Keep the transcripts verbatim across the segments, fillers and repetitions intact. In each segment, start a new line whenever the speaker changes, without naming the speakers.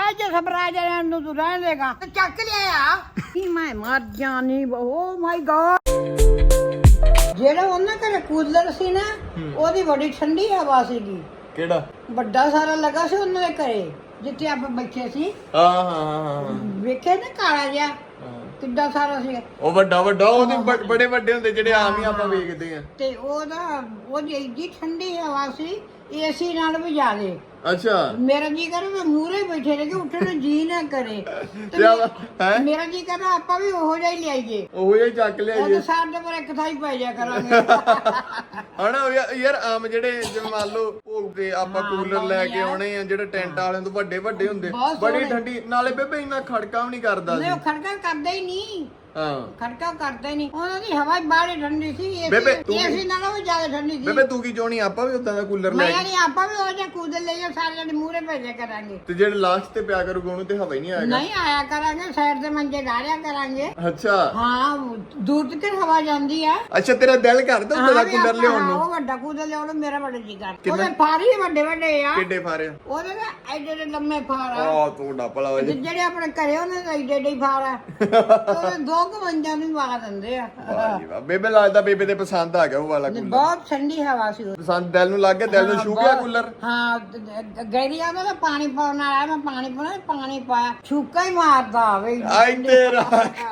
ਅੱਜ ਸਵਰਾਜ ਵਾਲਿਆਂ ਨੂੰ ਤੂੰ ਰਹਿਣ ਦੇਗਾ ਤੇ ਚੱਕ ਲਿਆ ਕੀ ਮੈਂ ਮਰ ਜਾਣੀ ਓ ਮਾਈ ਗॉड। ਜਿਹੜਾ ਉਹਨਾਂ ਘਰੇ ਕੂਲਰ ਸੀ ਨਾ ਉਹਦੀ ਬੜੀ ਠੰਡੀ ਹਵਾ ਸੀਗੀ।
ਕਿਹੜਾ
ਵੱਡਾ ਸਾਰਾ ਲੱਗਾ ਸੀ ਉਹਨਾਂ ਦੇ ਘਰੇ ਜਿੱਥੇ ਆਪਾਂ ਬੈਠੇ ਸੀ।
ਹਾਂ ਹਾਂ ਹਾਂ
ਵੇਖਿਆ ਨਾ ਕਾਲਾ ਜਿਹਾ ਕਿੱਡਾ ਸਾਰਾ ਸੀ
ਉਹ ਵੱਡਾ ਵੱਡਾ ਉਹਦੇ ਬੜੇ ਵੱਡੇ ਹੁੰਦੇ ਜਿਹੜੇ ਆਮ ਹੀ ਆਪਾਂ ਵੇਖਦੇ ਆ।
ਤੇ ਉਹਦਾ ਉਹਦੀ ਏਡੀ ਠੰਡੀ ਹਵਾ ਸੀ ਏਸੀ ਨਾਲ ਵੀ ਜ਼ਿਆਦੇ।
ਅੱਛਾ
ਮੇਰਾ ਜੀ ਕਰੇ ਮੈਂ ਮੂਹਰੇ ਬੈਠੇ ਰਹੇ ਕਿ ਉੱਠਣ ਨੂੰ ਜੀ ਨਾ ਕਰੇ ਤੇ
ਹੈ
ਮੇਰਾ ਜੀ ਕਰਦਾ ਆਪਾਂ ਵੀ ਉਹੋ ਜਿਹਾ ਹੀ ਲਿਆਈਏ
ਉਹੋ ਜਿਹਾ ਚੱਕ ਲਿਆਈਏ
ਉਹ ਸਾਡੇ ਪਰ ਇੱਕ ਥਾਂ ਹੀ ਪੈ ਜਾ ਕਰਾਂਗੇ
ਹਣਾ ਯਾਰ ਆਮ ਜਿਹੜੇ ਜਿਵੇਂ ਮੰਨ ਲਓ ਭੋਗ ਤੇ ਆਪਾਂ ਕੂਲਰ ਲੈ ਕੇ ਆਉਣੇ ਆ ਜਿਹੜੇ ਟੈਂਟ ਵਾਲਿਆਂ ਤੋਂ ਵੱਡੇ ਵੱਡੇ ਹੁੰਦੇ ਬੜੀ ਠੰਡੀ ਨਾਲੇ ਬੇਬੇ ਇੰਨਾ ਖੜਕਾ ਵੀ ਨਹੀਂ ਕਰਦਾ ਸੀ।
ਨਹੀਂ ਉਹ ਖੜਕਾ ਕਰਦਾ ਹੀ ਨਹੀਂ।
ਹਾਂ
ਖੜਕਾ ਕਰਦਾ ਹੀ ਨਹੀਂ ਉਹਨਾਂ ਦੀ ਹਵਾ ਬਾਹਲੀ ਠੰਡੀ ਸੀ ਏਸੀ ਨਾਲੋਂ ਵੀ ਜ਼ਿਆਦਾ ਠੰਡੀ ਸੀ।
ਬੇਬੇ ਤੂੰ ਕੀ ਚਾਹਣੀ ਆਪਾਂ ਵੀ ਉਦਾਂ ਦਾ ਕੂਲਰ ਲੈ
ਮੈਂ ਨਹੀਂ ਆਪਾਂ ਵੀ ਉਹ ਜਿਹਾ ਕੂਲਰ ਲੈ ਜਾ ਸਾਰਿਆਂ ਦੇ ਮੂਹਰੇ ਭੇਜਿਆ ਕਰਾਂਗੇ
ਤੇ ਜਿਹੜੇ ਲਾਸਟ ਤੇ ਪਿਆ ਕਰੂਗਾ ਉਹਨੂੰ ਤੇ ਹਵਾ ਹੀ ਨਹੀਂ ਆਏਗਾ।
ਨਹੀਂ ਆਇਆ ਕਰਾਂਗੇ ਸਾਈਡ ਤੇ ਮੰਜੇ ਡਾਲਿਆ ਕਰਾਂਗੇ।
ਅੱਛਾ
ਹਾਂ ਦੂਰ ਤੱਕ ਹਵਾ ਜਾਂਦੀ ਆ।
ਅੱਛਾ ਤੇਰਾ ਦਿਲ ਕਰਦਾ ਉਦਾਂ ਦਾ ਕੂਲਰ ਲਿਆਉਣ ਨੂੰ?
ਉਹ ਵੱਡਾ ਕੂਲਰ ਲਿਆਉਣ ਮੇਰਾ ਬੜਾ ਜੀ ਕਰਦਾ। ਉਹਦੇ ਫਾਰੀ ਵੱਡੇ ਵੱਡੇ ਆ।
ਕਿੱਡੇ ਫਾਰੇ ਆ?
ਉਹਦੇ ਨਾ ਐਡੇ ਐਡੇ ਲੰਮੇ ਫਾਰ ਆ।
ਆ ਤੂੰ ਡੱਪਲਾ ਵਜੇ
ਜਿਹੜੇ ਆਪਣੇ ਘਰੇ ਉਹਨਾਂ ਦੇ ਐਡੇ ਐਡੇ ਫਾਰ ਆ। ਉਹਦੇ ਦੋ ਕੁ ਮੰਜਾਂ ਨੂੰ ਵਾ ਦਿੰਦੇ ਆ।
ਵਾਹ ਜੀ ਵਾਹ ਬੇਬੇ ਲੱਗਦਾ ਬੇਬੇ ਤੇ ਪਸੰਦ ਆ ਗਿਆ ਉਹ ਵਾਲਾ ਕੂਲਰ।
ਬਹੁਤ ਠੰਡੀ ਹਵਾ ਸੀ।
ਪਸੰਦ ਦਿਲ ਨੂੰ ਲੱਗ ਗਿਆ ਦਿਲ ਨੂੰ ਛੂ ਗਿਆ ਕੂਲਰ।
ਹਾਂ ਗੈਰੀਆ ਦਾ ਪਾਣੀ ਪਾਉਣ ਵਾਲਾ ਮੈਂ ਪਾਣੀ ਪਾਉਣਾ ਪਾਣੀ ਪਾਇਆ ਛੂਕਾ ਹੀ ਮਾਰਦਾ ਆਵੇ
ਆਈ ਤੇਰਾ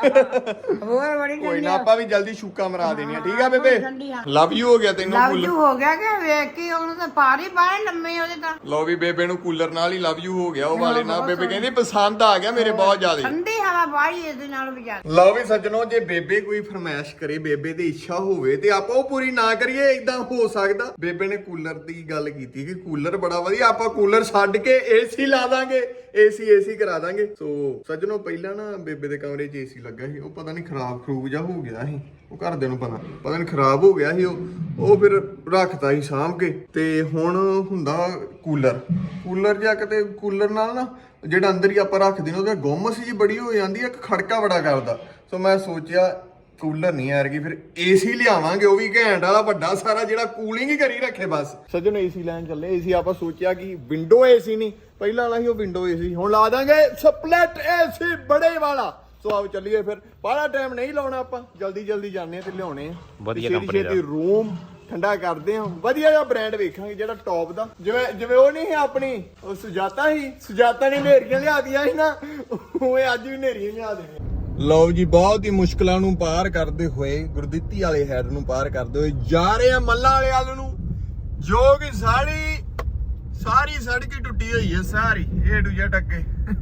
ਹੋਰ ਬੜੀ
ਕੋਈ ਨਾ ਆਪਾਂ ਵੀ ਜਲਦੀ ਛੂਕਾ ਮਰਾ ਦੇਣੀ ਆ ਠੀਕ ਆ ਬੇਬੇ। ਲਵ ਯੂ ਹੋ ਗਿਆ ਤੈਨੂੰ
ਲਵ
ਕੂਲਰ
ਯੂ ਹੋ ਗਿਆ ਕਿ ਵੇਖ ਕੇ ਉਹਨੂੰ ਤਾਂ ਪਾਰੀ ਬਾਹਰ ਲੰਮੇ ਉਹਦੇ ਤਾਂ।
ਲੋ ਵੀ ਬੇਬੇ ਨੂੰ ਕੂਲਰ ਨਾਲ ਹੀ ਲਵ ਯੂ ਹੋ ਗਿਆ ਉਹ ਵਾਲੇ ਨਾਲ। ਬੇਬੇ ਕਹਿੰਦੀ ਪਸੰਦ ਆ ਗਿਆ ਮੇਰੇ ਬਹੁਤ ਜ਼ਿਆਦਾ
ਠੰਡੀ ਹਵਾ ਬਾਹਰੀ ਇਹਦੇ ਨਾਲ ਵੀ ਜਾ।
ਲਓ ਵੀ ਸੱਜਣੋ ਜੇ ਬੇਬੇ ਕੋਈ ਫਰਮਾਇਸ਼ ਕਰੇ ਬੇਬੇ ਦੀ ਇੱਛਾ ਹੋਵੇ ਤੇ ਆਪਾਂ ਉਹ ਪੂਰੀ ਨਾ ਕਰੀਏ ਇਦਾਂ ਹੋ ਸਕਦਾ। ਬੇਬੇ ਨੇ ਕੂਲਰ ਦੀ ਗੱਲ ਕੀਤੀ ਕਿ ਕੂਲਰ ਬੜਾ ਵਧੀਆ ਆਪਾਂ ਕੂਲਰ ਛੱਡ ਕੇ ਏਸੀ ਲਾ ਦਾਂਗੇ ਏਸੀ ਏਸੀ ਕਰਾ ਦਾਂਗੇ। ਸੋ ਸੱਜਣੋ ਪਹਿਲਾਂ ਨਾ ਬੇਬੇ ਦੇ ਕਮਰੇ 'ਚ ਏਸੀ ਲੱਗਾ ਸੀ ਉਹ ਪਤਾ ਨਹੀਂ ਖਰਾਬ ਖਰੂਬ ਜਾ ਹੋ ਗਿਆ ਸੀ। ਉਹ ਘਰਦਿਆਂ ਨੂੰ ਪਤਾ ਪਤਾ ਨਹੀਂ ਖਰਾਬ ਹੋ ਗਿਆ ਸੀ ਉਹ ਉਹ ਫਿਰ ਰੱਖਤਾ ਸੀ ਸਾਂਭ ਕੇ ਤੇ ਹੁਣ ਹੁੰਦਾ ਕੂਲਰ ਕੂਲਰ ਜਾਂ ਕਿਤੇ ਕੂਲਰ ਨਾਲ ਨਾ ਜਿਹੜਾ ਅੰਦਰ ਹੀ ਆਪਾਂ ਰੱਖਦੇ ਨੇ ਉਹਦੇ ਗੁੰਮਸ ਜੀ ਬੜੀ ਹੋ ਜਾਂਦੀ ਹੈ ਖੜਕਾ ਬੜਾ ਕਰਦਾ। ਸੋ ਮੈਂ ਸੋਚਿਆ ਕੂਲਰ ਨਹੀਂ ਆ ਰਹੀ ਫਿਰ ਏਸੀ ਲਿਆਵਾਂਗੇ ਉਹ ਵੀ ਘੈਂਟ ਵਾਲਾ ਵੱਡਾ ਸਾਰਾ ਜਿਹੜਾ ਕੂਲਿੰਗ ਹੀ ਕਰੀ ਰੱਖੇ ਬਸ। ਸੱਜਣ ਏਸੀ ਲੈਣ ਚੱਲੇ ਏਸੀ ਆਪਾਂ ਸੋਚਿਆ ਕਿ ਵਿੰਡੋ ਏਸੀ ਨਹੀਂ ਪਹਿਲਾਂ ਵਾਲਾ ਸੀ ਉਹ ਵਿੰਡੋ ਏਸੀ ਹੁਣ ਲਾ ਦਾਂਗੇ ਸਪਲਿਟ ਏਸੀ ਬੜੇ ਵਾਲਾ। ਸੋ ਆਓ ਚੱਲੀਏ ਫਿਰ ਬਾਹਲਾ ਟਾਈਮ ਨਹੀਂ ਲਾਉਣਾ ਆਪਾਂ ਜਲਦੀ ਜਲਦੀ ਜਾਂਦੇ ਆ ਤੇ ਲਿਆਉਣੇ ਆ ਵਧੀਆ ਕੰਪਨੀ ਦਾ ਰੂਮ ਠੰਡਾ ਕਰਦੇ ਆ ਵਧੀਆ ਜਿਹਾ ਬ੍ਰਾਂਡ ਵੇਖਾਂਗੇ ਜਿਹੜਾ ਟੌਪ ਦਾ ਜਿਵੇਂ ਜਿਵੇਂ ਉਹ ਨਹੀਂ ਹੈ ਆਪਣੀ ਉਹ ਸੁਜਾਤਾ ਸੀ ਸੁਜਾਤਾ ਨੇ ਨੇਰੀਆਂ ਲਿਆਦੀਆਂ ਸੀ ਨਾ ਉਹ ਅੱਜ ਵੀ ਨੇਰੀਆਂ ਲਿਆ ਦੇਣੀਆਂ। ਲਓ ਜੀ ਬਹੁਤ ਹੀ ਮੁਸ਼ਕਲਾਂ ਨੂੰ ਪਾਰ ਕਰਦੇ ਹੋਏ ਗੁਰਦਿੱਤੀ ਵਾਲੇ ਹੈਡ ਨੂੰ ਪਾਰ ਕਰਦੇ ਹੋਏ ਜਾ ਰਹੇ ਆ ਮੱਲਾ ਵਾਲੇ ਵੱਲ ਨੂੰ ਜੋ ਕਿ ਸਾਰੀ ਸਾਰੀ ਸੜਕ ਹੀ ਟੁੱਟੀ ਹੋਈ ਹੈ ਸਾਰੀ ਏ ਟੂ ਜ਼ੈਡ ਅੱਗੇ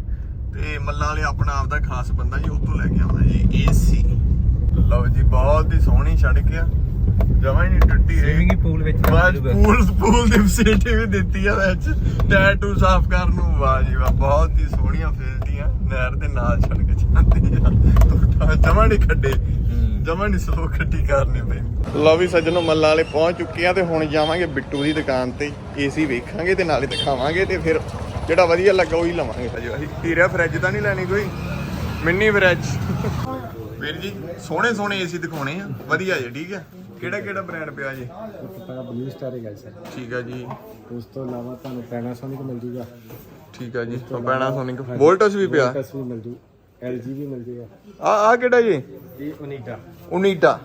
ਤੇ ਮੱਲਾ ਵਾਲੇ ਆਪਣਾ ਆਪਦਾ ਖਾਸ ਬੰਦਾ ਜੀ ਉੱਥੋਂ ਲੈ ਕੇ ਆਉਂਦਾ ਜੀ ਏਸੀ। ਲਓ ਜੀ ਬਹੁਤ ਹੀ ਸੋਹਣੀ ਸੜਕ ਆ ਜਮਾਂ ਹੀ ਨਹੀਂ ਟੁੱਟੀ
ਸਵਿਮਿੰਗ ਪੂਲ ਵਿੱਚ
ਬਸ ਪੂਲ ਪੂਲ ਦੀ ਫੈਸਿਲਿਟੀ ਵੀ ਦਿੱਤੀ ਆ ਵਿੱਚ ਟੈਟੂ ਸਾਫ਼ ਕਰਨ ਨੂੰ। ਵਾਹ ਜੀ ਵਾਹ ਬਹੁਤ ਹੀ ਸੋਹਣੀਆਂ ਫੈਸਿਲਿਟੀਆਂ ਨਹਿਰ ਦੇ ਨਾਲ ਸੜਕ ਜਾਂਦੀ ਆ ਜਮਾਂ ਨਹੀਂ ਖੱਡੇ ਜਮਾਂ ਨਹੀਂ ਸਲੋ ਖੱਡੀ ਕਰਨੀ ਪੈਂਦੀ। ਲਓ ਵੀ ਸੱਜਣੋ ਮੱਲਾ ਵਾਲੇ ਪਹੁੰਚ ਚੁੱਕੇ ਆ ਤੇ ਹੁਣ ਜਾਵਾਂਗੇ ਬਿੱਟੂ ਦੀ ਦੁਕਾਨ ਤੇ ਏਸੀ ਵੇਖਾਂਗੇ ਤੇ ਨਾਲੇ ਦਿਖਾਵਾਂਗੇ ਤੇ ਫਿਰ ਜਿਹੜਾ ਵਧੀਆ ਲੱਗਾ ਉਹੀ ਲਵਾਂਗੇ। ਹਜੇ ਅਸੀਂ ਹੀਰਾ ਫਰਿੱਜ ਤਾਂ ਨਹੀਂ ਲੈਣੀ ਕੋਈ ਮਿੰਨੀ ਫਰਿੱਜ ਵੀਰ ਜੀ ਸੋਹਣੇ ਸੋਹਣੇ ਏਸੀ ਦਿਖਾਉਣੇ ਆ ਵਧੀਆ ਜੀ ਠੀਕ ਆ। ਕਿਹੜਾ ਕਿਹੜਾ ਬ੍ਰਾਂਡ ਪਿਆ ਜੀ?
ਪਤਾ ਬਲੂ ਸਟਾਰ ਹੈ ਗਾਇਸ
ਠੀਕ ਆ ਜੀ।
ਉਸ ਤੋਂ ਇਲਾਵਾ ਤੁਹਾਨੂੰ ਪੈਨਾਸੋਨਿਕ ਮਿਲ ਜੂਗਾ।
ਠੀਕ ਆ ਜੀ ਪੈਨਾਸੋਨਿਕ ਵੋਲਟਸ ਵੀ ਪਿਆ
ਵੋਲਟਸ ਵੀ ਮਿਲ ਜੂ ਐਲਜੀ ਵੀ ਮਿਲ ਜੂਗਾ।
ਆ ਆ ਕਿਹੜਾ ਜੀ?
ਇਹ ਓਨੀਡਾ
ਓਨੀਡਾ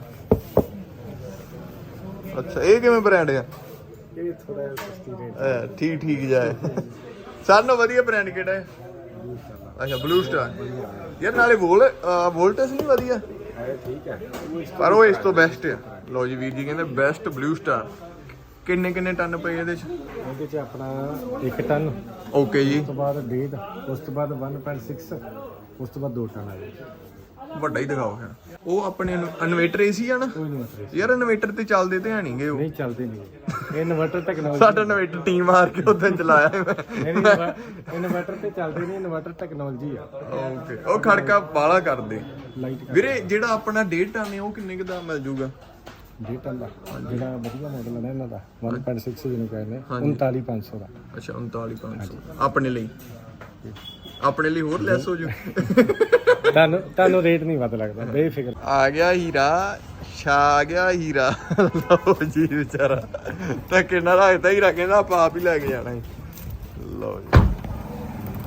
ਅੱਛਾ ਇਹ ਕਿਵੇਂ ਬ੍ਰਾਂਡ ਆ?
ਇਹ ਥੋੜਾ ਸਸਤੀ ਰੇਟ
ਹੈ ਠੀਕ ਠੀਕ ਜਾਏ ਸਾਰਿਆਂ ਨਾਲੋਂ ਵਧੀਆ ਬ੍ਰਾਂਡ ਕਿਹੜਾ ਹੈ? ਅੱਛਾ ਬਲੂ ਸਟਾਰ ਯਾਰ ਨਾਲੇ ਵੋਲ ਵੋਲਟਸ ਨਹੀਂ ਵਧੀਆ
ਹੈ ਠੀਕ ਹੈ
ਪਰ ਉਹ ਇਸ ਤੋਂ ਬੈਸਟ ਆ। ਲਓ ਜੀ ਵੀਰ ਜੀ ਕਹਿੰਦੇ ਬੈਸਟ ਬਲੂ ਸਟਾਰ। ਕਿੰਨੇ ਕਿੰਨੇ ਟਨ ਪਏ ਇਹਦੇ ਚ?
ਇਹਦੇ ਚ ਆਪਣਾ ਇੱਕ ਟਨ
ਓਕੇ ਜੀ
ਉਸ ਤੋਂ ਬਾਅਦ ਡੇਢ ਉਸ ਤੋਂ ਬਾਅਦ ਇੱਕ ਪੁਆਇੰਟ ਛੇ ਉਸ ਤੋਂ ਬਾਅਦ ਦੋ ਟਨ ਆ ਗਏ।
ਵੱਡਾ ਹੀ ਦਿਖਾਓ ਫਿਰ ਉਹ ਆਪਣੇ ਇਨਵੇਟਰ ਏਸੀ ਆ ਨਾ
ਕੋਈ ਨਹੀਂ ਮਤਲਬ
ਯਾਰ ਇਨਵੇਟਰ ਤੇ ਚੱਲਦੇ ਤੇ ਹੈ ਨਹੀਂਗੇ ਉਹ
ਨਹੀਂ ਚੱਲਦੇ ਨਹੀਂ ਇਹ ਇਨਵਰਟਰ ਟੈਕਨੋਲੋਜੀ
ਸਾਡਾ ਇਨਵੇਟਰ ਟੀਮ ਮਾਰ ਕੇ ਉਦੋਂ ਚਲਾਇਆ
ਨਹੀਂ ਇਨਵਰਟਰ ਤੇ ਚੱਲਦੇ ਨਹੀਂ ਇਨਵਰਟਰ ਟੈਕਨੋਲੋਜੀ ਆ।
ਓਕੇ ਉਹ ਖੜਕਾ ਬਾਲਾ ਕਰਦੇ
ਲਾਈਟ
ਵੀਰੇ ਜਿਹੜਾ ਆਪਣਾ ਡੇਢ ਟਨ ਹੈ ਉਹ ਕਿੰਨੇ ਕੁ ਦਾ ਮਿਲ ਜੂਗਾ?
ਡੇਢ ਟਨ ਦਾ ਜਿਹੜਾ ਵਧੀਆ ਮਾਡਲ ਹੈ ਨਾ ਇਹਨਾਂ ਦਾ ਇੱਕ ਪੁਆਇੰਟ ਛੇ ਜਿਹਨੂੰ ਕਹਿੰਦੇ ਉਨਤਾਲੀ ਪੰਜ ਸੌ ਦਾ।
ਅੱਛਾ ਉਨਤਾਲੀ ਪੰਜ ਸੌ ਆਪਣੇ ਲਈ ਆਪਣੇ ਲਈ ਹੋਰ ਲੈਸ ਹੋ ਜੂ
ਤੁਹਾਨੂੰ ਤੁਹਾਨੂੰ ਰੇਟ ਨਹੀਂ ਪਤਾ ਲੱਗਦਾ ਬੇਫਿਕਰ।
ਆ ਗਿਆ ਹੀਰਾ ਛਾ ਗਿਆ ਹੀਰਾ ਲਓ ਜੀ ਵਿਚਾਰਾ ਤਾਂ ਕਿੰਨਾ ਰੱਖਦਾ ਹੀਰਾ ਕਹਿੰਦਾ ਆਪਾਂ ਆਪ ਹੀ ਲੈ ਕੇ ਜਾਣਾ ਲਓ ਜੀ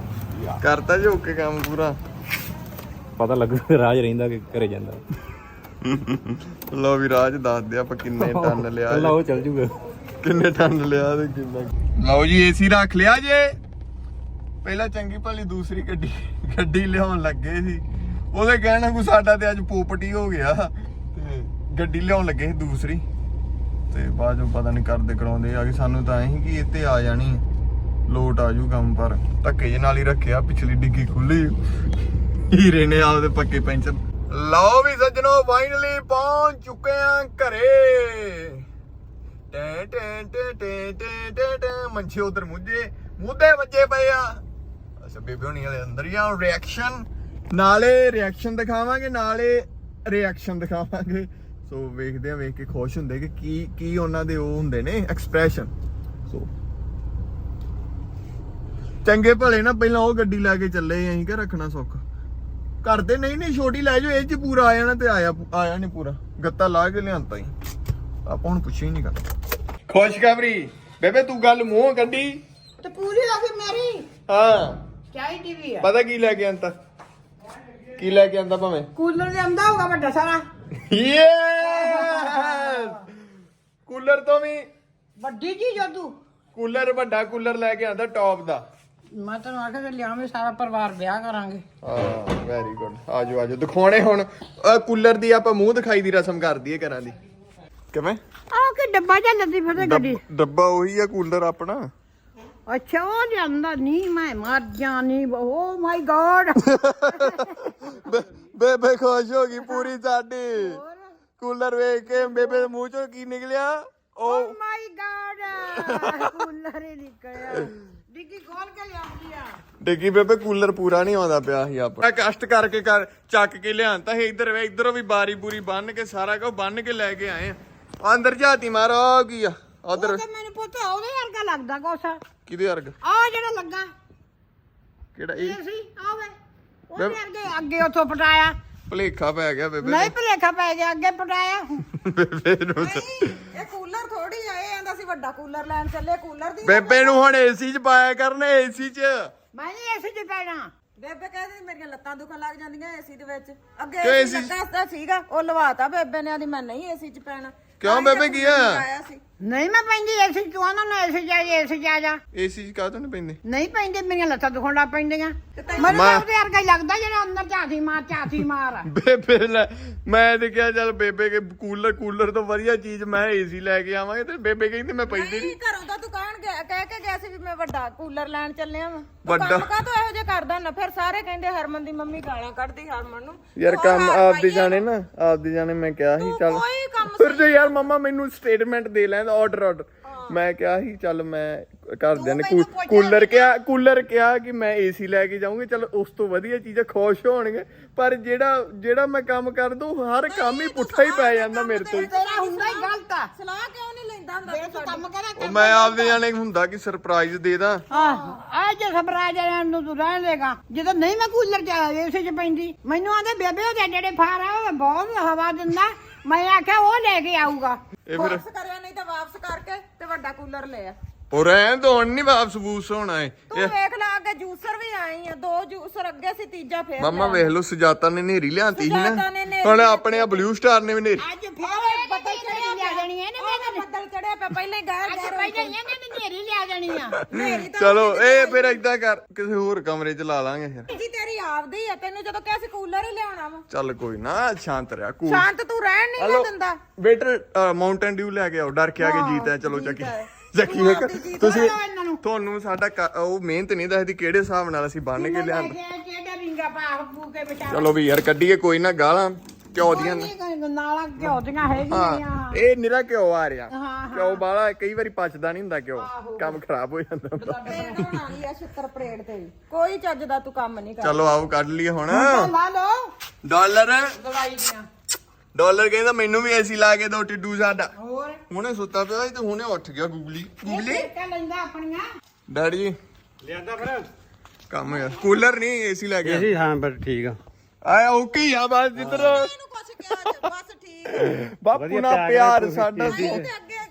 ਕਰਤਾ ਜੀ ਓਕੇ ਕੰਮ ਪੂਰਾ।
ਪਤਾ ਲੱਗੂ ਰਾਜ ਰਹਿੰਦਾ ਕਿ ਘਰੇ ਜਾਂਦਾ।
ਲਓ ਵੀ ਰਾਜ ਦੱਸ ਦੇ ਆਪਾਂ ਕਿੰਨੇ ਟਨ ਲਿਆ
ਚੱਲ ਉਹ ਚੱਲ ਜੂਗਾ।
ਕਿੰਨੇ ਟਨ ਲਿਆ ਤੇ ਕਿੰਨਾ। ਲਓ ਜੀ ਏਸੀ ਰੱਖ ਲਿਆ ਜੇ। ਪਹਿਲਾਂ ਚੰਗੀ ਭਲੀ ਦੂਸਰੀ ਗੱਡੀ ਗੱਡੀ ਲਿਆਉਣ ਲੱਗੇ ਸੀ, ਉਹਦੇ ਕਹਿਣਾ ਕੋ ਸਾਡਾ ਤੇ ਅੱਜ ਪੋਪਟੀ ਹੋ ਗਿਆ ਤੇ ਗੱਡੀ ਲਿਆਉਣ ਲੱਗੇ ਸੀ ਦੂਸਰੀ, ਤੇ ਬਾਅਦ ਚੋਂ ਪਤਾ ਨਹੀਂ ਕਰਦੇ ਕਰਾਉਂਦੇ ਆ ਕਿ ਸਾਨੂੰ ਤਾਂ ਐਂ ਕਿ ਇੱਥੇ ਆ ਜਾਣੀ ਲੋਟ ਆ ਜੂ ਕੰਮ, ਪਰ ਧੱਕੇ ਜੇ ਨਾਲ ਹੀ ਰੱਖਿਆ। ਪਿਛਲੀ ਡਿੱਗੀ ਖੁੱਲੀ, ਹੀਰੇ ਨੇ ਆਪਦੇ ਪੱਕੇ ਪੈਂਚਰ। ਲਓ ਵੀ ਸੱਜਣੋ ਫਾਈਨਲੀ ਪਹੁੰਚ ਚੁੱਕੇ ਆ ਘਰੇ। ਟੈਂ ਟੈਂ ਟੈਂ ਟੈਂ ਟੈਂ ਟੈਂ ਟੈਂ ਮੰਛੇ ਉਧਰ ਮੁੱਝੇ ਮੁੱਦੇ ਵੱਜੇ ਪਏ ਆ। ਅੱਛਾ ਬੇਬੇ ਹੋਣੀ ਵਾਲੇ ਅੰਦਰ ਹੀ ਆ। ਰਿਐਕਸ਼ਨ ਨਾਲੇ ਰਿਐਕਸ਼ਨ ਦਿਖਾਵਾਂਗੇ, ਨਾਲੇ ਰਿਐਕਸ਼ਨ ਦਿਖਾਵਾਂਗੇ। ਸੋ ਵੇਖਦੇ ਆ, ਵੇਖ ਕੇ ਖੁਸ਼ ਹੁੰਦੇ ਕਿ ਕੀ ਕੀ ਉਹਨਾਂ ਦੇ ਉਹ ਹੁੰਦੇ ਨੇ ਐਕਸਪ੍ਰੈਸ਼ਨ। ਸੋ ਚੰਗੇ ਭਲੇ ਨਾ ਪਹਿਲਾਂ ਉਹ ਗੱਡੀ ਲੈ ਕੇ ਚੱਲੇ ਅਸੀਂ ਕਿ ਰੱਖਣਾ ਸੁੱਖ ਕਰਦੇ। ਨਹੀਂ ਨਹੀਂ ਛੋਟੀ ਲੈ ਜਾਓ, ਇਹ ਚ ਪੂਰਾ ਆ ਜਾਣਾ। ਤੇ ਆਇਆ ਆਇਆ ਨਹੀਂ ਪੂਰਾ, ਗੱਤਾ ਲਾ ਕੇ ਲਿਆਂਤਾ ਹੀ। ਆਪਾਂ ਹੁਣ ਪੁੱਛਿਆ ਹੀ ਨਹੀਂ ਕਰਦਾ। ਖੁਸ਼ਖਬਰੀ ਬੇਬੇ, ਤੂੰ ਗੱਲ ਮੂੰਹ ਕੱਢੀ
ਤੇ ਪੂਰੀ ਹੋ ਗਈ ਮੇਰੀ।
ਹਾਂ
ਚਾਹੀ ਟੀਵੀ ਆ।
ਪਤਾ ਕੀ ਲੈ ਕੇ ਆਂਦਾ? ਕੀ ਲੈ ਕੇ ਆਂਦਾ? ਭਾਵੇਂ
ਕੂਲਰ ਲਿਆਂਦਾ ਹੋਊਗਾ ਵੱਡਾ ਸਾਰਾ।
ਯੈਸ, ਕੂਲਰ ਤੋਂ ਵੀ
ਵੱਡੀ ਚੀਜ਼ ਆ ਤੂੰ।
ਕੂਲਰ ਵੱਡਾ ਕੂਲਰ ਲੈ ਕੇ ਆਂਦਾ ਟੌਪ ਦਾ।
ਮੈਂ ਤੈਨੂੰ ਆਖਿਆ ਕਿ ਲਿਆਵੇਂ, ਸਾਰਾ ਪਰਿਵਾਰ ਵਿਆਹ ਕਰਾਂਗੇ।
ਹਾਂ ਵੈਰੀ ਗੁੱਡ। ਆਜੋ ਆਜੋ ਦਿਖਾਉਣੇ ਹੁਣ ਕੂਲਰ ਦੀ। ਆਪਾਂ ਮੂੰਹ ਦਿਖਾਈ ਦੀ ਰਸਮ ਕਰ ਦਈਏ ਘਰਾਂ ਦੀ। ਕਿਵੇਂ?
ਆਹ ਕਿ ਡੱਬਾ ਜਾਂ ਲੱਦੀ ਫਤੇ ਗੱਡੀ।
ਡੱਬਾ ਉਹੀ ਆ ਕੂਲਰ ਆਪਣਾ।
ਅੱਛਾ ਉਹ ਲਿਆਂਦਾ ਨਹੀਂ, ਮੈਂ ਮਰ ਜਾਣੀ। Oh my god.
ਬੇਬੇ ਖੁਸ਼ ਹੋ ਗਈ ਪੂਰੀ ਸਾਡੀ। ਕੂਲਰ ਵੇਖ ਕੇ ਬੇਬੇ ਦੇ ਮੂੰਹ ਚੋਂ ਕੀ ਨਿਕਲਿਆ?
ਓ ਮਾਈ ਗॉड, ਕੂਲਰ ਹੀ ਨਿਕਲਿਆ। ਡਿੱਗੀ ਖੋਲ ਕੇ ਲਿਆਉਂਦੀ ਆ।
ਡਿੱਗੀ ਬੇਬੇ, ਕੂਲਰ ਪੂਰਾ ਨਹੀਂ ਆਉਂਦਾ ਪਿਆ ਸੀ ਆਪਣਾ। ਕਸ਼ਟ ਕਰਕੇ ਕਰ ਚੱਕ ਕੇ ਲਿਆਂਤਾ ਸੀ। ਇੱਧਰ ਵੇ ਇੱਧਰੋਂ ਵੀ ਬਾਰੀ ਬੂਰੀ ਬੰਨ ਕੇ ਸਾਰਾ ਕੁਝ ਬੰਨ ਕੇ ਲੈ ਕੇ ਆਏ ਆ। ਅੰਦਰ ਝਾਤੀ ਮਾਰੋ ਕੀ ਆ ਉਧਰ।
ਮੈਨੂੰ ਪੁੱਛਿਆ ਉਹਦੇ ਵਰਗਾ ਲੱਗਦਾ ਕੁਛ।
ਕਿਹਦੇ ਵਰਗਾ?
ਆ ਜਿਹੜਾ ਲੱਗਾ
ਕਿਹੜਾ?
ਇਹ
ਇਹ
ਸੀ ਆਵੇ ਉਹਦੇ ਅੱਗੇ ਅੱਗੇ ਉੱਥੋਂ ਪਟਾਇਆ।
ਭਲੇਖਾ ਪੈ ਗਿਆ ਬੇਬੇ।
ਨਹੀਂ ਭਲੇਖਾ ਪੈ ਗਿਆ, ਅੱਗੇ ਪਟਾਇਆ।
ਬੇਬੇ ਨੂੰ
ਇਹ ਕੂਲਰ ਥੋੜੀ ਆ, ਇਹ ਆਂਦਾ ਸੀ ਵੱਡਾ ਕੂਲਰ ਲੈਣ ਚੱਲੇ। ਕੂਲਰ ਦੀ
ਬੇਬੇ ਨੂੰ ਹੁਣ ਏਸੀ ਚ ਪਾਇਆ ਕਰਨੇ, ਏਸੀ ਚ।
ਮੈਂ ਨਹੀਂ ਇਸੇ ਚ ਪੈਣਾ।
ਬੇਬੇ ਕਹਿੰਦੀ ਮੇਰੀਆਂ ਲੱਤਾਂ ਦੁਖਣ ਲੱਗ ਜਾਂਦੀਆਂ ਏਸੀ ਦੇ ਵਿੱਚ। ਅੱਗੇ
ਕਿਉਂ
ਏਸੀ
AC
ਲੱਗਾ ਸੀਗਾ, ਉਹ ਲਵਾਤਾ ਬੇਬੇ ਨੇ। ਆਦੀ ਮੈਂ ਨਹੀਂ ਏਸੀ ਚ ਪੈਣਾ।
ਕਿਉਂ ਬੇਬੇ ਕੀ ਆ?
ਆਇਆ ਸੀ
ਨਹੀਂ ਮੈਂ ਪੈਂਦੀ ਏਸੀ ਚ। ਉਹਨਾਂ ਨੂੰ ਏਸੀ ਜਾ ਏਸੀ ਜਾ ਜਾ
ਏਸੀ ਚ ਕਾਹਤੋਂ ਨਹੀਂ ਪੈਂਦੇ?
ਨਹੀਂ ਪੈਂਦੇ, ਮੇਰੀਆਂ ਲੱਤਾਂ ਦੁਖਣ ਲੱਗ ਪੈਂਦੀਆਂ। ਮੈਨੂੰ ਤਾਂ ਉਹਦੇ ਵਰਗਾ ਹੀ ਲੱਗਦਾ ਜਿਹੜਾ ਅੰਦਰ ਝਾਤੀ ਮਾਰ ਝਾਤੀ ਮਾਰ।
ਬੇਬੇ ਲੈ, ਮੈਂ ਤੇ ਕਿਹਾ ਚੱਲ ਬੇਬੇ ਕੇ ਕੂਲਰ ਕੂਲਰ ਤੋਂ ਵਧੀਆ ਚੀਜ਼ ਮੈਂ ਏਸੀ ਲੈ ਕੇ ਆਵਾਂਗੇ, ਤੇ ਬੇਬੇ ਕਹਿੰਦੀ ਮੈਂ ਪੈਂਦੀ ਨਹੀਂ।
ਘਰੋਂ ਤਾਂ ਦੁਕਾਨ ਗਿਆ ਕਹਿ ਕੇ ਗਿਆ ਸੀ ਵੀ ਮੈਂ ਵੱਡਾ ਕੂਲਰ ਲੈਣ ਚੱਲਿਆ ਵਾ।
ਵੱਡਾ?
ਕੰਮ ਕਾ ਇਹੋ ਜਿਹਾ ਕਰਦਾ ਨਾ। ਫਿਰ ਸਾਰੇ ਕਹਿੰਦੇ ਹਰਮਨ ਦੀ ਮੰਮੀ ਗਾਲਾਂ ਕੱਢਦੀ ਹਰਮਨ ਨੂੰ।
ਯਾਰ ਕੰਮ ਆਪਦੇ ਜਾਣੇ ਨਾ, ਆਪਦੇ ਜਾਣੇ। ਮੈਂ ਕਿਹਾ ਸੀ ਚੱਲ
ਕੋਈ ਕੰਮ
ਫਿਰ ਜੇ ਯਾਰ ਮੰਮਾ ਮੈਨੂੰ ਸਟੇਟਮੈਂਟ ਦੇ ਲੈਣ ਆਰਡਰ ਆਰਡਰ। ਮੈਂ ਕਿਹਾ ਸੀ ਚੱਲ ਮੈਂ ਘਰਦਿਆਂ ਨੇ ਕੂਲਰ ਕਿਹਾ ਕੂਲਰ ਕਿਹਾ ਕਿ ਮੈਂ ਏਸੀ ਲੈ ਕੇ ਜਾਊਂਗੀ। ਚਲ ਉਸ ਤੋਂ ਵਧੀਆ ਚੀਜ਼ਾਂ ਖੁਸ਼ ਹੋਣਗੇ। ਪਰ ਜਿਹੜਾ ਜਿਹੜਾ ਮੈਂ ਕੰਮ ਕਰ ਦੂੰ, ਹਰ ਕੰਮ ਹੀ ਪੁੱਠਾ ਹੀ ਪੈ ਜਾਂਦਾ ਮੇਰੇ ਤੋਂ।
ਤੇਰਾ ਹੁੰਦਾ ਹੀ ਗਲਤ ਆ।
ਸਲਾਹ ਕਿਉਂ ਨਹੀਂ ਲੈਂਦਾ ਹੁੰਦਾ?
ਜੇ ਤੂੰ ਕੰਮ ਕਰਾ
ਉਹ ਮੈਂ ਆਪਦੇ ਜਾਣੇ ਹੁੰਦਾ ਕਿ ਸਰਪ੍ਰਾਈਜ਼ ਦੇ ਦਾਂ।
ਆਹ ਆ ਜੇ ਸਬਰਾਜ ਰਹਿਣ ਨੂੰ ਤੂੰ ਰਹਿਣ ਦੇਗਾ। ਜਦੋਂ ਨਹੀਂ ਮੈਂ ਕੂਲਰ ਚ ਏਸੀ ਚ ਪੈਂਦੀ, ਮੈਨੂੰ ਆਂਦੇ ਬੇਬੇ ਉਹਦੇ ਜਿਹੜੇ ਫਾਰ ਆ ਉਹ ਬਹੁਤ ਹਵਾ ਦਿੰਦਾ। ਮੈਂ ਆਖਿਆ ਉਹ ਲੈ ਕੇ ਆਊਗਾ।
ਇਹ ਫਿਰ
ਵਾਪਸ ਕਰਿਆ, ਨਹੀਂ ਤਾਂ ਵਾਪਸ ਕਰਕੇ ਤੇ ਵੱਡਾ ਕੂਲਰ ਲੈ ਆ।
ਉਹ ਰਹਿਣ ਤੋਂ ਹੁਣ ਨਹੀਂ ਵਾਪਸ ਬੂਸ ਹੋਣਾ ਏ।
ਤੂੰ ਵੇਖ ਲੈ, ਅੱਗੇ ਜੂਸਰ ਵੀ ਆਈ ਆ। ਦੋ ਜੂਸਰ ਅੱਗੇ ਸੀ, ਤੀਜਾ ਫੇਰ
ਮਾਮਾ ਵੇਖ ਲਓ, ਸੁਜਾਤਾ ਨੇ ਨੇਰੀ ਲਿਆਂਤੀ ਸੀ
ਸੁਜਾਤਾ
ਨਾ।
ਨੇ ਨੇਰੀ
ਹੁਣ ਆਪਣੇ ਆ ਬਲੂ ਸਟਾਰ ਨੇ ਵੀ ਨੇਰੀ।
ਅੱਜ ਫੇਰ ਬੱਦਲ ਚੜੀ ਲਿਆ ਦੇਣੀ ਇਹਨੇ।
ਉਹ ਬੱਦਲ ਚੜਿਆ ਪਿਆ, ਪਹਿਲਾਂ ਹੀ ਗਾਇਬ
ਅੱਜ
ਗਾਇਬ
ਪਹਿਲਾਂ ਇਹਨੇ ਵੀ ਨੇਰੀ ਲਿਆ ਦੇਣੀ ਆ।
ਮੇਰੀ ਤਾਂ
ਚਲੋ ਇਹ ਫਿਰ ਏਦਾਂ ਕਰ, ਕਿਸੇ ਹੋਰ ਕਮਰੇ ਚ ਲਾ ਲਾਂਗੇ ਫਿਰ।
ਜੀ ਤੇਰੀ ਆਪਦੀ ਆ। ਤੈਨੂੰ ਜਦੋਂ ਕਿਹਾ ਸੀ ਕੂਲਰ ਹੀ ਲਿਆਉਣਾ ਵਾ।
ਚੱਲ ਕੋਈ ਨਾ, ਸ਼ਾਂਤ ਰਿਹਾ। ਕੂਲ
ਸ਼ਾਂਤ ਤੂੰ ਰਹਿਣ ਨਹੀਂ ਨਾ ਦਿੰਦਾ।
ਵੇਟਰ ਮਾਊਂਟਨ ਡਿਊ ਲੈ ਕੇ ਆਓ। ਡਰ ਕੇ ਆ ਕੇ ਜੀਤ ਹੈ। ਚਲੋ ਚੱਕੀ ਚੱਕੀ ਵੇਖ ਤੁਸੀਂ। ਤੁਹਾਨੂੰ ਸਾਡਾ ਕ- ਉਹ ਮਿਹਨਤ ਨਹੀਂ ਦੱਸਦੀ ਕਿਹੜੇ ਹਿਸਾਬ ਨਾਲ ਅਸੀਂ ਬੰਨ ਕੇ ਲਿਆਂਦੇ।
ਕਿਹੜਾ ਰਿੰਗਾ ਪਾ ਫੂ ਕੇ ਵਿਚਾਰ।
ਚਲੋ ਵੀ ਯਾਰ ਕੱਢੀਏ, ਕੋਈ ਨਾ ਗਾਲਾਂ ਘਿਓ ਦੀਆਂ ਨੇ।
ਨਾਲਾਂ ਘਿਓ ਦੀਆਂ ਹੈਗੀਆਂ।
ਹਾਂ ਇਹ ਨਿਰਾ ਘਿਓ ਆ ਰਿਹਾ।
ਹਾਂ,
ਘਿਓ ਬਾਲਾ ਕਈ ਵਾਰੀ ਪਚਦਾ ਨਹੀਂ ਹੁੰਦਾ ਘਿਓ, ਕੰਮ ਖਰਾਬ ਹੋ ਜਾਂਦਾ ਹੁੰਦਾ।
ਪਰੇਡ ਹੋਣਾ ਹੀ ਆ ਛਿੱਤਰ ਪਰੇਡ ਤੇ ਵੀ। ਕੋਈ ਚੱਜ ਦਾ ਤੂੰ ਕੰਮ ਨਹੀਂ ਕਰਦਾ।
ਚਲੋ ਆਓ ਕੱਢ ਲਈਏ ਹੁਣ
ਲਾ ਲਓ
ਡਾਲਰ।
ਦਵਾਈ ਦੀਆਂ।
ਡਾਲਰ ਕਹਿੰਦਾ ਮੈਨੂੰ ਵੀ ਏਸੀ ਲਾ ਕੇ ਦੋ ਟਿੱਡੂ ਸਾਡਾ।
ਹੋਰ
ਹੁਣੇ ਸੁੱਤਾ ਪਿਆ ਸੀ ਤੇ ਹੁਣੇ ਉੱਠ ਗਿਆ। ਗੂਗਲੀ ਗੂਗਲੀ
ਕਾ ਲੈਂਦਾ ਆਪਣੀਆਂ।
ਡੈਡੀ ਜੀ
ਲਿਆਂਦਾ ਫਿਰ
ਕੰਮ ਯਾਰ, ਕੂਲਰ ਨਹੀਂ ਏਸੀ ਲੈ ਕੇ
ਏਸੀ। ਹਾਂ ਪਰ ਠੀਕ ਆ।
ਆਇਆ ਓਕੇ ਹੀ ਆ ਬਸ ਜਿੱਧਰ
ਇਹਨੂੰ ਕੁਛ ਕਿਹਾ ਜੇ, ਬਸ ਠੀਕ ਆ।
ਬਾਪੂ ਨਾਲ ਪਿਆਰ ਸਾਡਾ ਸੀ।
ਤੇ ਅੱਗੇ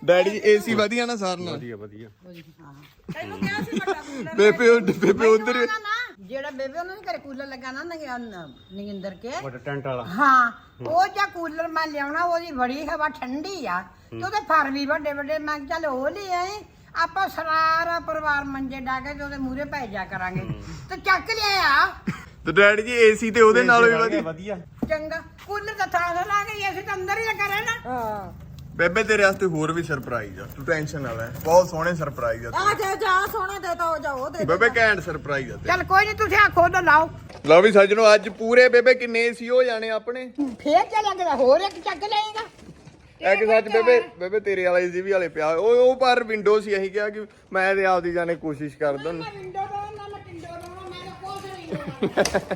ਡੈਡੀ ਜੀ ਏਸੀ ਵਧੀਆ ਨਾ ਸਾਰ ਨਾਲ
ਵਧੀਆ ਵਧੀਆ
ਤੈਨੂੰ ਕਿਹਾ ਸੀ ਵੱਡਾ ਕੂਲਰ
ਬੇਬੇ ਉਧ- ਬੇਬੇ ਉਧਰ
ਨਾ ਨਾ ਜਿਹੜਾ ਬੇਬੇ ਉਹਨਾਂ ਦੇ ਘਰੇ ਕੂਲਰ ਲੱਗਾ ਨਾ ਨਗਿੰਦਰ ਕੇ
ਵੱਡਾ ਟੈਂਟ ਵਾਲਾ
ਹਾਂ ਉਹ ਜਾਂ ਕੂਲਰ ਮੈਂ ਲਿਆਉਣਾ ਉਹਦੀ ਬੜੀ ਹਵਾ ਠੰਡੀ ਆ ਤੇ ਉਹਦੇ ਫਰ ਵੀ ਵੱਡੇ ਵੱਡੇ ਮੈਂ ਕਿਹਾ ਚੱਲ ਉਹ ਲੈ ਆਏ ਆਪਾਂ ਸਾਰਾ ਪਰਿਵਾਰ ਮੰਜੇ ਡਾ ਕੇ ਤੇ ਉਹਦੇ ਮੂਹਰੇ ਪੈ ਜਾ ਕਰਾਂਗੇ ਤੇ ਚੱਕ ਲਿਆ
ਤੇ ਡੈਡੀ ਜੀ ਏਸੀ ਤੇ ਉਹਦੇ ਨਾਲ ਵੀ ਵਧੀਆ
ਵਧੀਆ
ਚੰਗਾ ਕੂਲਰ ਤਾਂ ਥਾਂ ਥਾਂ ਲਾ ਗਈ ਅਸੀਂ ਤਾਂ ਅੰਦਰ ਹੀ ਲੱਗਾ ਰਹਿਣਾ
ਹਾਂ
ਬੇਬੇ ਤੇਰੇ ਵਾਸਤੇ ਹੋਰ ਵੀ ਸਰਪ੍ਰਾਈਜ਼ ਆ ਤੂੰ ਟੈਨਸ਼ਨ ਨਾ ਲੈ ਬਹੁਤ ਸੋਹਣੇ ਸਰਪ੍ਰਾਈਜ਼ ਆ
ਆ ਜਾ ਜਾ ਸੋਹਣਾ ਦੇ ਤਾ ਜਾ ਉਹ ਦੇ
ਬੇਬੇ ਘੈਂਟ ਸਰਪ੍ਰਾਈਜ਼ ਆ
ਚੱਲ ਕੋਈ ਨਹੀਂ ਤੁਸੀਂ ਆਖੋ ਤਾਂ ਲਾਓ
ਲਓ ਵੀ ਸੱਜਣੋ ਅੱਜ ਪੂਰੇ ਬੇਬੇ ਕਿੰਨੇ ਏਸੀ ਹੋ ਜਾਣੇ ਆਪਣੇ
ਫੇਰ ਚੱਲਾਂਗੇ ਤਾਂ ਹੋਰ ਇੱਕ ਚੱਕ ਲਏਗਾ
ਇੱਕ ਸੱਚ ਬੇਬੇ ਬੇਬੇ ਤੇਰੇ ਵਾਲਾ ਏਸੀ ਵੀ ਵਾਲੇ ਪਿਆ ਉਹ ਉਹ ਪਰ ਵਿੰਡੋ ਸੀ ਅਸੀਂ ਕਿਹਾ ਕਿ ਮੈਂ ਤੇ ਆਪਦੀ ਜਾਣੇ ਕੋਸ਼ਿਸ਼ ਕਰਦਾ
ਨਾ ਵਿੰਡੋ ਤੋਂ ਨਾ ਮੈਂ ਟਿੰਡੋ ਤੋਂ ਮੈਂ ਤਾਂ ਕੁਛ ਨਹੀਂ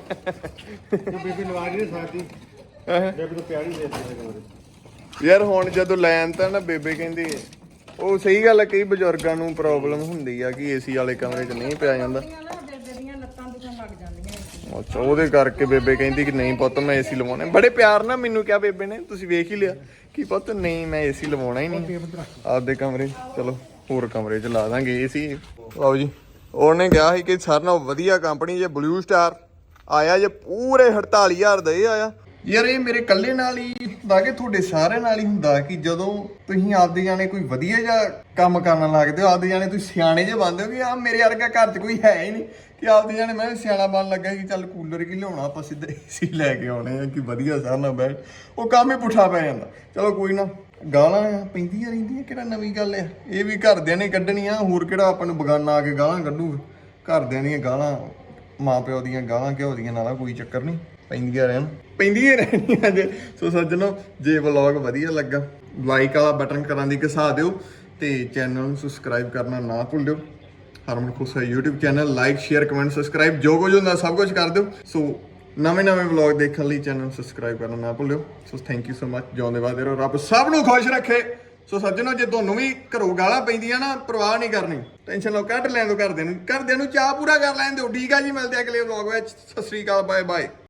ਹੋਣਾ
ਬੀਬੀ ਲਵਾ ਨਹੀਂ ਸਕਦੀ ਬੇਬੀ ਨੂੰ ਪਿਆਰੀ ਦੇ ਦਿੱਤੀ
ਯਾਰ ਹੁਣ ਜਦੋਂ ਲੈਣ ਤਾਂ ਨਾ ਬੇਬੇ ਕਹਿੰਦੀ ਉਹ ਸਹੀ ਗੱਲ ਹੈ ਕਈ ਬਜ਼ੁਰਗਾਂ ਨੂੰ ਪ੍ਰੋਬਲਮ ਹੁੰਦੀ ਆ ਕਿ ਏਸੀ ਵਾਲੇ ਕਮਰੇ 'ਚ ਨਹੀਂ ਪਿਆ ਜਾਂਦਾ
ਬੇਬੇ ਦੀਆਂ ਲੱਤਾਂ ਦੁਖਣ ਲੱਗ ਜਾਂਦੀਆਂ
ਅੱਛਾ ਉਹਦੇ ਕਰਕੇ ਬੇਬੇ ਕਹਿੰਦੀ ਕਿ ਨਹੀਂ ਪੁੱਤ ਮੈਂ ਏਸੀ ਲਵਾਉਣਾ ਬੜੇ ਪਿਆਰ ਨਾਲ ਮੈਨੂੰ ਕਿਹਾ ਬੇਬੇ ਨੇ ਤੁਸੀਂ ਵੇਖ ਹੀ ਲਿਆ ਕਿ ਪੁੱਤ ਨਹੀਂ ਮੈਂ ਏਸੀ ਲਵਾਉਣਾ ਹੀ ਨਹੀਂ ਆਪਦੇ ਕਮਰੇ 'ਚ ਚਲੋ ਹੋਰ ਕਮਰੇ 'ਚ ਲਾ ਦਾਂਗੇ ਏਸੀ ਲਓ ਜੀ ਉਹਨੇ ਕਿਹਾ ਸੀ ਕਿ ਸਾਰਿਆਂ ਨਾਲੋਂ ਵਧੀਆ ਕੰਪਨੀ ਜੇ ਬਲੂ ਸਟਾਰ ਆਇਆ ਜੇ ਪੂਰੇ ਅੜਤਾਲੀ ਹਜ਼ਾਰ ਦਾ ਇਹ ਆਇਆ ਯਾਰ ਇਹ ਮੇਰੇ ਇਕੱਲੇ ਨਾਲ ਹੀ ਹੁੰਦਾ ਕਿ ਤੁਹਾਡੇ ਸਾਰਿਆਂ ਨਾਲ ਹੀ ਹੁੰਦਾ ਕਿ ਜਦੋਂ ਤੁਸੀਂ ਆਪਦੇ ਜਾਣੇ ਕੋਈ ਵਧੀਆ ਜਿਹਾ ਕੰਮ ਕਰਨ ਲੱਗਦੇ ਹੋ ਆਪਦੇ ਜਾਣੇ ਤੁਸੀਂ ਸਿਆਣੇ ਜਿਹੇ ਬਣਦੇ ਹੋ ਕਿ ਆ ਮੇਰੇ ਵਰਗਾ ਘਰ 'ਚ ਕੋਈ ਹੈ ਹੀ ਨਹੀਂ ਕਿ ਆਪਦੇ ਜਾਣੇ ਮੈਂ ਸਿਆਣਾ ਬਣ ਲੱਗਾ ਕਿ ਚੱਲ ਕੂਲਰ ਕੀ ਲਿਆਉਣਾ ਆਪਾਂ ਸਿੱਧਾ ਏਸੀ ਲੈ ਕੇ ਆਉਣੇ ਆ ਕਿ ਵਧੀਆ ਸਾਰਿਆਂ ਨਾਲ ਬੈਠ ਉਹ ਕੰਮ ਹੀ ਪੁੱਠਾ ਪੈ ਜਾਂਦਾ ਚਲੋ ਕੋਈ ਨਾ ਗਾਲਾਂ ਆ ਪੈਂਦੀਆਂ ਰਹਿੰਦੀਆਂ ਕਿਹੜਾ ਨਵੀਂ ਗੱਲ ਆ ਇਹ ਵੀ ਘਰਦਿਆਂ ਨੇ ਕੱਢਣੀਆਂ ਹੋਰ ਕਿਹੜਾ ਆਪਾਂ ਨੂੰ ਬਗਾਨਾ ਆ ਕੇ ਗਾਲਾਂ ਕੱਢੂਗਾ ਘਰਦਿਆਂ ਦੀਆਂ ਗਾਲਾਂ ਮਾਂ ਪਿਓ ਦੀਆਂ ਗਾਲਾਂ ਘਿਓ ਦੀਆਂ ਨਾਲਾਂ ਕੋਈ ਚੱਕਰ ਨਹੀਂ ਪੈਂਦੀਆਂ ਰਹਿਣ ਪੈਂਦੀਆਂ ਰਹਿਣੀਆਂ ਜੇ ਸੋ ਸੱਜਣੋ ਜੇ ਵਲੌਗ ਵਧੀਆ ਲੱਗਾ ਲਾਈਕ ਵਾਲਾ ਬਟਨ ਕਰਾਂ ਦੀ ਘਸਾ ਦਿਓ ਤੇ ਚੈਨਲ ਨੂੰ ਸਬਸਕ੍ਰਾਈਬ ਕਰਨਾ ਨਾ ਭੁੱਲਿਓ Harman Khusha YouTube channel like share comment subscribe ਜੋ ਕੁਝ ਹੁੰਦਾ ਸਭ ਕੁਝ ਕਰ ਦਿਓ ਸੋ ਨਵੇਂ ਨਵੇਂ ਵਲੌਗ ਦੇਖਣ ਲਈ ਚੈਨਲ ਸਬਸਕ੍ਰਾਈਬ ਕਰਨਾ ਨਾ ਭੁੱਲਿਓ so thank you so much ਜਿਉਂਦੇ ਵਾਦੇ ਰਹੋ ਰੱਬ ਸਭ ਨੂੰ ਖੁਸ਼ ਰੱਖੇ ਸੋ ਸੱਜਣੋ ਜੇ ਤੁਹਾਨੂੰ ਵੀ ਘਰੋਂ ਗਾਲਾਂ ਪੈਂਦੀਆਂ ਨਾ ਪਰਵਾਹ ਨਹੀਂ ਕਰਨੀ ਟੈਨਸ਼ਨ ਲਓ ਕੱਢ ਲੈਣ ਦਿਓ ਘਰਦਿਆਂ ਨੂੰ ਘਰਦਿਆਂ ਨੂੰ ਚਾਹ ਪੂਰਾ ਕਰ ਲੈਣ ਦਿਓ ਠੀਕ ਆ ਜੀ ਮਿਲਦੇ ਆ ਅਗਲੇ ਵਲੌਗ ਵਿੱਚ ਸਤਿ ਸ੍ਰੀ ਅਕਾਲ ਬਾਏ ਬਾਏ